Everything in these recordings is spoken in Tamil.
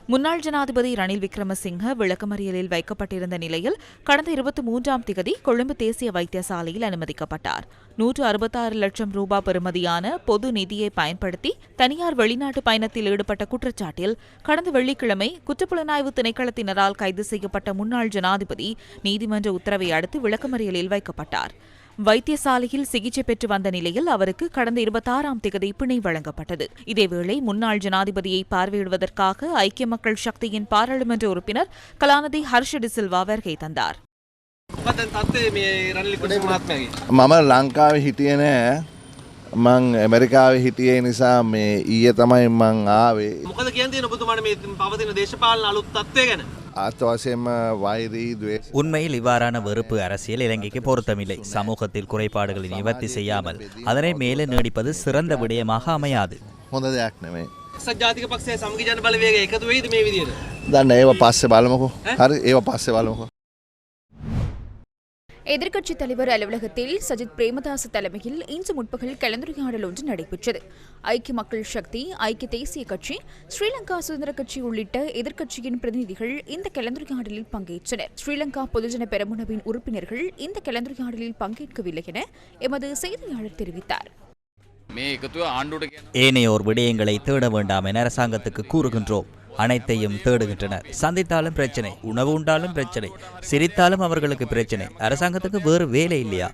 முன்னாள் ஜனாதிபதி ரணில் விக்ரமசிங்க விளக்கமறியலில் வைக்கப்பட்டிருந்த நிலையில் கடந்த 23ஆம் திகதி கொழும்பு தேசிய வைத்தியசாலையில் அனுமதிக்கப்பட்டார். 166 லட்சம் ரூபாய் பெறுமதியான பொது நிதியை பயன்படுத்தி தனியார் வெளிநாட்டு பயணத்தில் ஈடுபட்ட குற்றச்சாட்டில் கடந்த வெள்ளிக்கிழமை குற்றப்புலனாய்வு திணைக்களத்தினரால் கைது செய்யப்பட்ட முன்னாள் ஜனாதிபதி நீதிமன்ற உத்தரவை அடுத்து விளக்கமறியலில் வைக்கப்பட்டார். வைத்தியசாலையில் சிகிச்சை பெற்று வந்த நிலையில் அவருக்கு கடந்த 26ஆம் திகதி பிணை வழங்கப்பட்டது. இதேவேளை முன்னாள் ஜனாதிபதியை பார்வையிடுவதற்காக ஐக்கிய மக்கள் சக்தியின் பாராளுமன்ற உறுப்பினர் கலாநிதி ஹர்ஷ டி சில்வா வருகை தந்தார். මම ලංකාවේ හිටියේ නෑ. මං ඇමරිකාවේ හිටියේ නිසා මේ ඊයේ තමයි මං ආවේ. මොකද කියන්නේ ඔබතුමාට මේ පවතින දේශපාලන අලුත් තත්ත්වය ගැන? අත්වශයෙන්ම වෛරී ද්වේෂ உண்மையில் இவ்வாறான வெறுப்பு அரசியல் இலங்கைக்கு பொருத்தமில்லை. சமூகத்தில் குறைபாடுகளை நிவர்த்தி செய்யாமல் அதனை மேலே நீடிப்பது சிறந்த விடயமாக அமையாது. හොඳ දෙයක් නෙමෙයි. ජාතික පක්ෂයේ සමගි ජන බලවේගය එකතු වෙයිද මේ විදියට? දන්න ඒව පස්සේ බලමුකෝ. හරි ඒව පස්සේ බලමුකෝ. எதிர்க்கட்சித் தலைவர் அலுவலகத்தில் சஜித் பிரேமதாச தலைமையில் இன்று முற்பகல் கலந்துரையாடல் ஒன்று நடைபெற்றது. ஐக்கிய மக்கள் சக்தி, ஐக்கிய தேசிய கட்சி, ஸ்ரீலங்கா சுதந்திர கட்சி உள்ளிட்ட எதிர்க்கட்சியின் பிரதிநிதிகள் இந்த கலந்துரையாடலில் பங்கேற்றனர். ஸ்ரீலங்கா பொதுஜன பெரமுனவின் உறுப்பினர்கள் இந்த கலந்துரையாடலில் பங்கேற்கவில்லை என எமது செய்தியாளர் தெரிவித்தார். ஏனையோர் விடயங்களை தேட வேண்டாம் என அரசாங்கத்துக்கு கூறுகின்றோம். அனைத்தையும் தேடுகின்றனர். சந்தித்தாலும் பிரச்சனை, உணவு உண்டாலும் பிரச்சனை, சிரித்தாலும் அவர்களுக்கு பிரச்சனை. அரசாங்கத்துக்கு வேறு வேலை இல்லையா?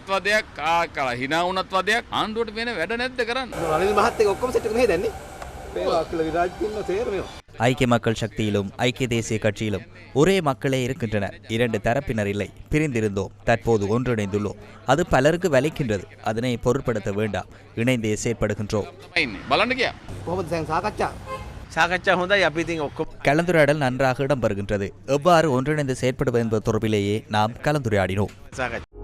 ஐக்கிய மக்கள் சக்தியிலும் ஐக்கிய தேசிய கட்சியிலும் ஒரே மக்களே இருக்கின்றனர். இரண்டு தரப்பினர் இல்லை. பிரிந்திருந்தோம், தற்போது ஒன்றிணைந்துள்ளோம். அது பலருக்கு வலிக்கின்றது. அதனை பொருட்படுத்த வேண்டாம். இணைந்தே செயற்படுகின்றோம். கலந்துரையாடல் நன்றாக இடம்பெறுகின்றது. எவ்வாறு ஒன்றிணைந்து செயற்படுவது என்பது தொடர்பிலேயே நாம் கலந்துரையாடினோம்.